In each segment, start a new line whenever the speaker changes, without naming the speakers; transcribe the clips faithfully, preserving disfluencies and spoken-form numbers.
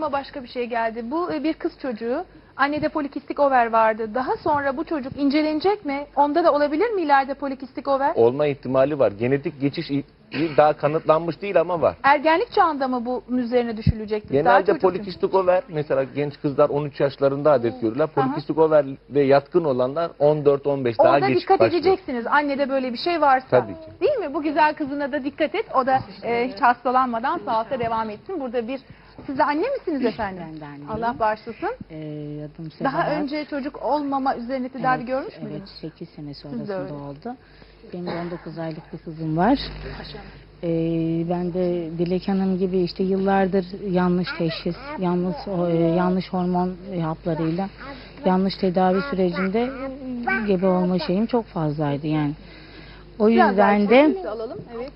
aklıma başka bir şey geldi. Bu e, bir kız çocuğu. Annede polikistik over vardı. Daha sonra bu çocuk incelenecek mi? Onda da olabilir mi ileride polikistik over?
Olma ihtimali var. Genetik geçiş daha kanıtlanmış değil ama var.
Ergenlik çağında mı bunun üzerine düşülecektir? Daha
Genelde
çocuk
polikistik over, mesela genç kızlar on üç yaşlarında adet görürler. Polikistik over ve yatkın olanlar on dört on beş daha
Orada
geç
dikkat
başlıyor.
edeceksiniz. Annede böyle bir şey varsa.
Tabii ki.
Değil mi? Bu güzel kızına da dikkat et. O da e, hiç hastalanmadan sağlıkta devam etsin. Burada bir... Siz de anne misiniz efendim?
Ben de anneyim.
Allah bağışlasın.
Ee, adım Sebahat.
Daha önce çocuk olmama üzerine tedavi
Evet,
görmüş
Evet,
müydünüz?
sekiz sene
de
sonrasında
öyle.
oldu. Benim de on dokuz aylık bir kızım var. Ee, ben de Dilek Hanım gibi işte yıllardır yanlış teşhis, yanlış e, yanlış hormon haplarıyla yanlış tedavi sürecinde gebe olma şeyim çok fazlaydı yani. O
Biraz daha
yüzden de
çekimizi alalım. Evet.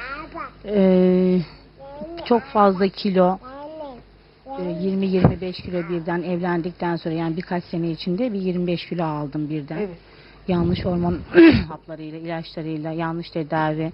e, çok fazla kilo, yirmi yirmi beş kilo birden evlendikten sonra, yani birkaç sene içinde bir yirmi beş kilo aldım birden.
Evet.
Yanlış hormon haplarıyla, ilaçlarıyla, yanlış tedavi.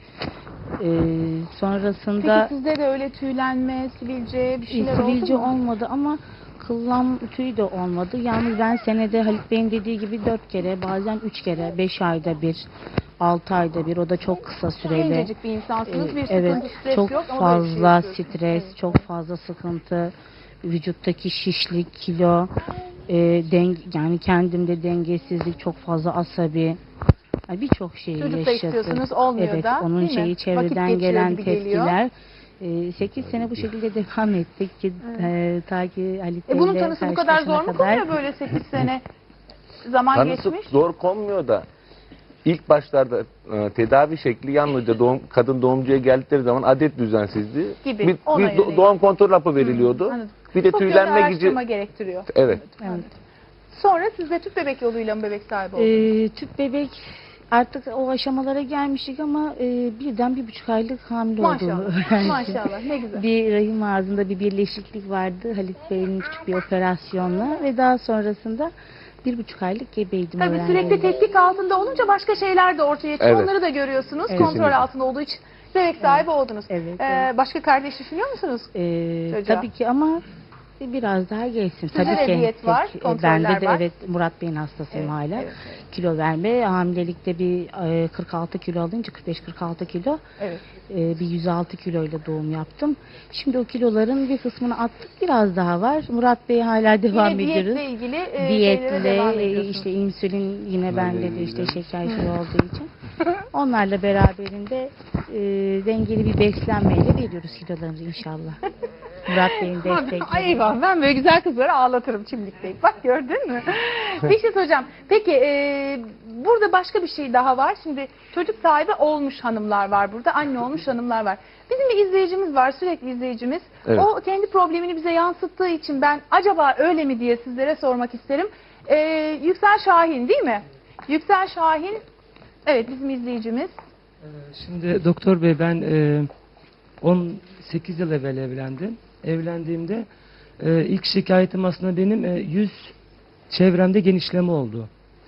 Ee, sonrasında
Peki sizde de öyle tüylenme, sivilce bir şeyler
sivilce
oldu mu?
olmadı ama kıllam tüy de olmadı. Yalnız ben senede Halit Bey'in dediği gibi dört kere, bazen üç kere, beş ayda bir, altı ayda bir, o da çok kısa süreli.
Gencecik bir insansınız. Bir
Ee, evet,
sıkıntı, stres
çok
yok ama böyle bir şey
fazla
yaşıyorsunuz.
stres,
Evet.
çok fazla sıkıntı, vücuttaki şişlik, kilo, e, deng yani kendimde dengesizlik, çok fazla asabi, yani birçok şeyi
Çocuk da
yaşadık.
istiyorsunuz, olmuyor
Evet,
da,
onun
değil mi?
şeyi
Vakit
çevreden
geçiyor
gelen
gibi geliyor.
tepkiler. E, sekiz sene bu şekilde devam ettik ki e, ta ki Halit
E bunun
Bey'le
tanısı bu kadar zor mu
karşılaşana
konuyor böyle sekiz sene zaman
Tanısı
geçmiş?
zor konmuyor da ilk başlarda e, tedavi şekli yalnızca doğum, kadın doğumcuya geldikleri zaman adet düzensizliği,
Gibi,
bir,
ona
bir do-
yönelik.
doğum kontrol hapı veriliyordu.
Anladım.
Bir de
Çok yönlü
tüylenme gücü.
araştırma gerektiriyor.
Evet.
Evet.
Sonra siz de tüp bebek yoluyla mı bebek sahibi oldunuz?
E, tüp bebek artık o aşamalara gelmiştik ama e, birden bir buçuk aylık hamile olduğumu
Maşallah.
öğrendim.
Maşallah. Ne güzel.
Bir rahim ağzında bir birleşiklik vardı Halit Bey'in küçük bir operasyonla ve daha sonrasında bir buçuk aylık gebeydim.
Tabii
öğrendim.
sürekli tetkik altında olunca başka şeyler de ortaya çıkıyor.
Evet.
Onları da görüyorsunuz.
Evet.
Kontrol
Kesinlikle.
altında olduğu için bebek sahibi oldunuz.
Evet,
Ee,
evet.
Başka kardeş düşünüyor musunuz?
Ee,
Çocuğa.
tabii ki ama biraz daha geçsin.
Sizde
Tabii
de
ki.
diyet var,
Tek- e,
kontroller
Bende de
var.
evet, Murat Bey'in hastasıyım
Evet,
hala.
evet, evet.
Kilo verme, hamilelikte bir e, kırk altı kilo alınca, kırk beş kırk altı kilo,
Evet.
e, bir yüz altı kiloyla doğum yaptım. Şimdi o kiloların bir kısmını attık, biraz daha var. Murat Bey hala devam
Yine
ediyoruz.
diyetle ilgili e, şeylere devam
Diyetle, e,
ediyorsunuz.
işte insülin yine bende de işte şeker şey olduğu için. Onlarla beraberinde e, dengeli bir beslenmeyle veriyoruz kilolarımızı inşallah. Murat Bey'in destekleriyle.
Ay eyvah, ben böyle güzel kızları ağlatırım çimdikleyip. Bak gördün mü? Bir şey soracağım. Peki e, burada başka bir şey daha var. Şimdi çocuk sahibi olmuş hanımlar var burada. Anne olmuş hanımlar var. Bizim bir izleyicimiz var, sürekli izleyicimiz.
Evet.
O kendi problemini bize yansıttığı için ben acaba öyle mi diye sizlere sormak isterim. E, Yüksel Şahin değil mi? Yüksel Şahin, evet bizim izleyicimiz.
Şimdi doktor bey, ben e, on sekiz yıl evvel evlendim. Evlendiğimde e, ilk şikayetim aslında benim e, yüz çevremde genişleme oldu.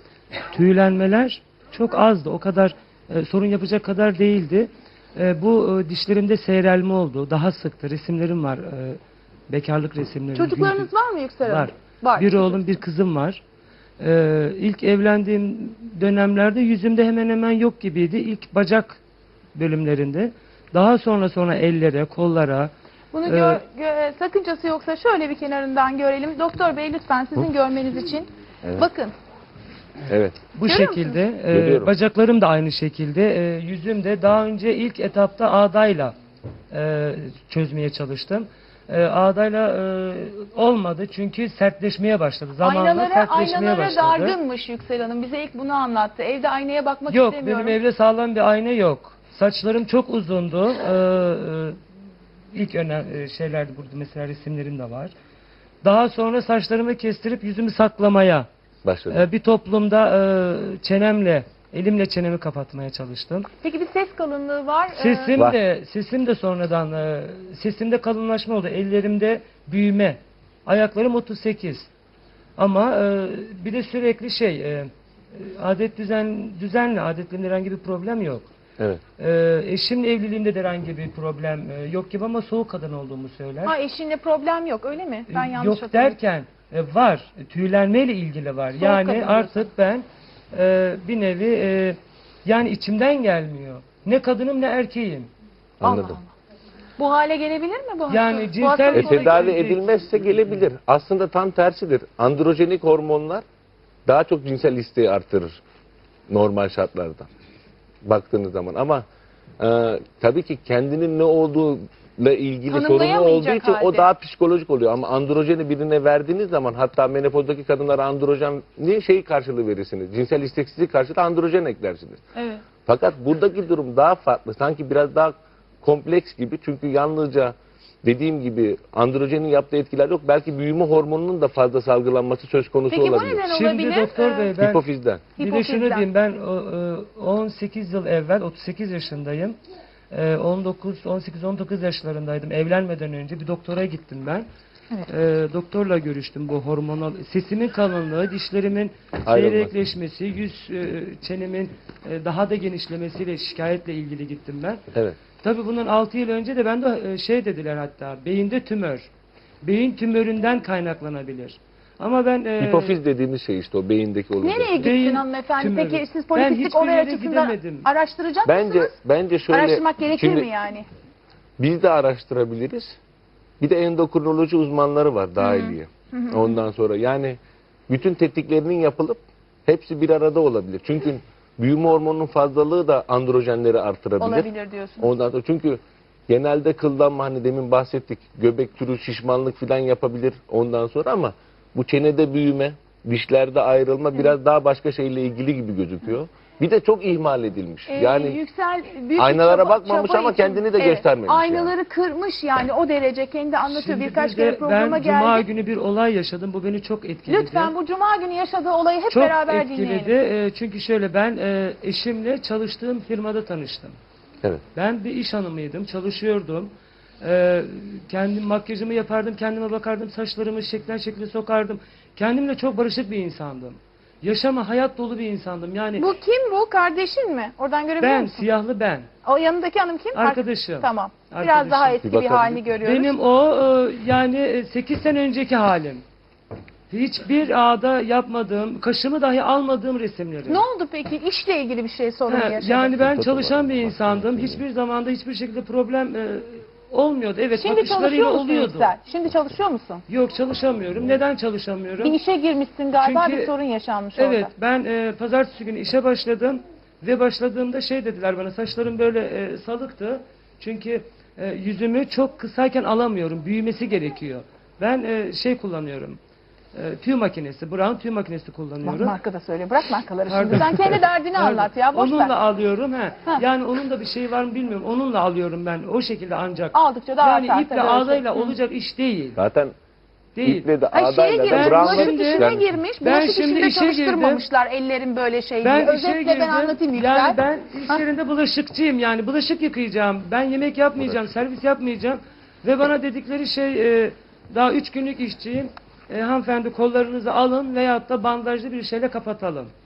Tüylenmeler çok azdı. O kadar e, sorun yapacak kadar değildi. E, bu e, dişlerimde seyrelme oldu. Daha sıktı. Resimlerim var. E, bekarlık resimlerim.
Çocuklarınız
Güldü-
var mı Yüksel Hanım?
Var.
Var.
Bir oğlum, bir kızım var. Ee, ilk evlendiğim dönemlerde yüzümde hemen hemen yok gibiydi. İlk bacak bölümlerinde. Daha sonra sonra ellere, kollara.
Bunu
Ee,
gör, gö- sakıncası yoksa şöyle bir kenarından görelim. Doktor Bey lütfen sizin görmeniz için.
Evet.
Bakın.
Evet.
Bu
Görüyor
şekilde. e,
Görüyorum.
bacaklarım da aynı şekilde. E, yüzüm de daha önce ilk etapta ağdayla e, çözmeye çalıştım. E, ağdayla e, olmadı çünkü sertleşmeye başladı. Zamanla
Aynalara,
sertleşmeye
aynalara
başladı.
dargınmış Yüksel Hanım. Bize ilk bunu anlattı. Evde aynaya bakmak
Yok,
istemiyorum.
benim evde sağlam bir ayna yok. Saçlarım çok uzundu. Ee, e, ilk önem e, şeylerdi, burada mesela resimlerim de var. Daha sonra saçlarımı kestirip yüzümü saklamaya,
Başladı.
e, bir toplumda e, çenemle, elimle çenemi kapatmaya çalıştım.
Peki bir ses kalınlığı var. Ee,
Sesim
Var.
de, sesim de sonradan, e, sesimde kalınlaşma oldu. Ellerimde büyüme. Ayaklarım otuz sekiz. Ama e, bir de sürekli şey, e, adet düzen düzenli, adetlerimde herhangi bir problem yok.
Evet.
E, eşimle evliliğimde de herhangi bir problem e, yok gibi ama soğuk kadın olduğumu söyler.
Ha, eşinle problem yok öyle mi? Ben
E,
yanlış
yok
hatırladım.
derken e, var. E, Tüylenmeyle ilgili var.
Soğuk
yani
kadın
artık ben e, bir nevi e, yani içimden gelmiyor. Ne kadınım ne erkeğim.
Anladım.
Allah Allah. Bu hale gelebilir mi bu
Yani
hastalık? Bu
cinsel-
hastalık
E,
Sonra
tedavi
gelecek.
edilmezse gelebilir. Aslında tam tersidir. Androjenik hormonlar daha çok cinsel isteği artırır normal şartlarda. Baktığınız zaman ama e, tabii ki kendinin ne olduğuyla ilgili sorunu
Tanımlayamayacak
olduğu için
halde.
o daha psikolojik oluyor. Ama androjeni birine verdiğiniz zaman hatta menopozdaki kadınlara androjeni şey karşılığı verirsiniz. Cinsel isteksizlik karşılığı androjen eklersiniz.
Evet.
Fakat buradaki durum daha farklı. Sanki biraz daha kompleks gibi. Çünkü yalnızca dediğim gibi androjenin yaptığı etkiler yok. Belki büyüme hormonunun da fazla salgılanması söz konusu
Peki bu
olabilir.
neden
Şimdi
olabilir?
doktor
Ee,
bey ben
Hipofizden.
bir de şunu
Hipofizden.
diyeyim, ben o, e, on sekiz yıl evvel otuz sekiz yaşındayım. E, on dokuz on sekiz on dokuz yaşlarındaydım. Evlenmeden önce bir doktora gittim ben.
Evet.
E, doktorla görüştüm bu hormonal. Sesimin kalınlığı, dişlerimin
Ayrılması.
seyrekleşmesi, yüz e, çenemin e, daha da genişlemesiyle şikayetle ilgili gittim ben.
Evet.
Tabii bundan altı yıl önce de ben de e, şey dediler, hatta beyinde tümör. Beyin tümöründen kaynaklanabilir. Ama ben e,
Hipofiz dediğimiz şey işte o beyindeki oluşum.
Nereye gittin
Beyin
hanımefendi?
tümörü.
Peki siz
Ben
politistik
hiçbir
olay
yere
açısından
gidemedim.
araştıracak
Bence
mısınız?
bence şöyle
Araştırmak gerekir
şimdi
mi yani?
biz de araştırabiliriz. Bir de endokrinoloji uzmanları var dahiliye. Ondan sonra yani bütün tetkiklerinin yapılıp hepsi bir arada olabilir. Çünkü büyüme hormonunun fazlalığı da androjenleri artırabilir.
Olabilir diyorsun.
Ondan sonra çünkü genelde kıllanma hani demin bahsettik. Göbek türü şişmanlık falan yapabilir ondan sonra ama bu çenede büyüme, dişlerde ayrılma biraz daha başka şeyle ilgili gibi gözüküyor. Bir de çok ihmal edilmiş.
Ee,
Yani
yüksel büyük bir
aynalara
çaba-
bakmamış
çaba
ama
için-
kendini de
Evet,
göstermemiş
Aynaları kırmış yani o derece kendi anlatıyor.
şimdi
Birkaç
bir
kere
de
programa
ben Cuma
geldi.
günü bir olay yaşadım. Bu beni çok etkiledi.
Lütfen bu cuma günü yaşadığı olayı hep
Çok
beraber
etkiledi.
dinleyelim.
E, çünkü şöyle, ben e, eşimle çalıştığım firmada tanıştım.
evet.
Ben bir iş hanımıydım, çalışıyordum. Ee, kendim makyajımı yapardım, kendime bakardım, saçlarımı şeklen şekle sokardım. Kendimle çok barışık bir insandım. Yaşama, hayat dolu bir insandım. Yani
Bu kim bu? Kardeşin mi? Oradan görebiliyor
ben,
musun?
siyahlı ben.
O yanındaki hanım kim?
Arkadaşım.
Tamam. Biraz
Arkadaşım.
daha
Bir
eski bir,
bakabilir
halini
miyim?
görüyoruz.
Benim o e, yani sekiz sene önceki halim. Hiçbir ağda yapmadığım, kaşımı dahi almadığım resimleri.
Ne oldu peki? İşle ilgili bir şey sorun
Ha,
yaşadın.
yani ben
Çok
çalışan
var.
bir insandım. Hiçbir zamanda hiçbir şekilde problem e, olmuyordu. Evet,
Şimdi
bakışlarıyla
çalışıyor musun
oluyordu.
Yüksel? Şimdi çalışıyor musun?
Yok, çalışamıyorum. Neden çalışamıyorum?
Bir işe girmişsin galiba,
Çünkü-
bir sorun yaşanmış
Evet,
orada.
ben e, pazartesi günü işe başladım ve başladığımda şey dediler bana, saçlarım böyle e, salıktı. Çünkü e, yüzümü çok kısayken alamıyorum, büyümesi gerekiyor. Ben e, şey kullanıyorum, e, tüy makinesi, Brown tüy makinesi
Bak
kullanıyorum.
marka da söyle. Bırak markaları
Pardon.
şimdi. Sen kendi derdini
Pardon.
anlat ya. Boş
Onunla
ver.
alıyorum. He.
Ha.
Yani onun da bir şeyi var mı bilmiyorum. Onunla alıyorum ben. O şekilde ancak.
Aldıkça daha
Yani
artar
iple
tabii öyle şey.
ağzayla olacak iş değil.
Zaten
Değil.
iple de
Ay şeye
ağdayla
girmiş,
da
bulaşık
Brown'la
işine
yani-
girmiş.
Ben
Bulaşık
şimdi
işinde
işe
çalıştırmamışlar ellerin böyle şey
Ben
diye.
işe
Özetle
girdim.
ben anlatayım Yüksel.
Yani ben iş yerinde bulaşıkçıyım. Yani bulaşık yıkayacağım. Ben yemek yapmayacağım. Servis yapmayacağım. Ve bana dedikleri şey, e, daha üç günlük işçiyim. E, hanımefendi kollarınızı alın veyahut da bandajlı bir şeyle kapatalım.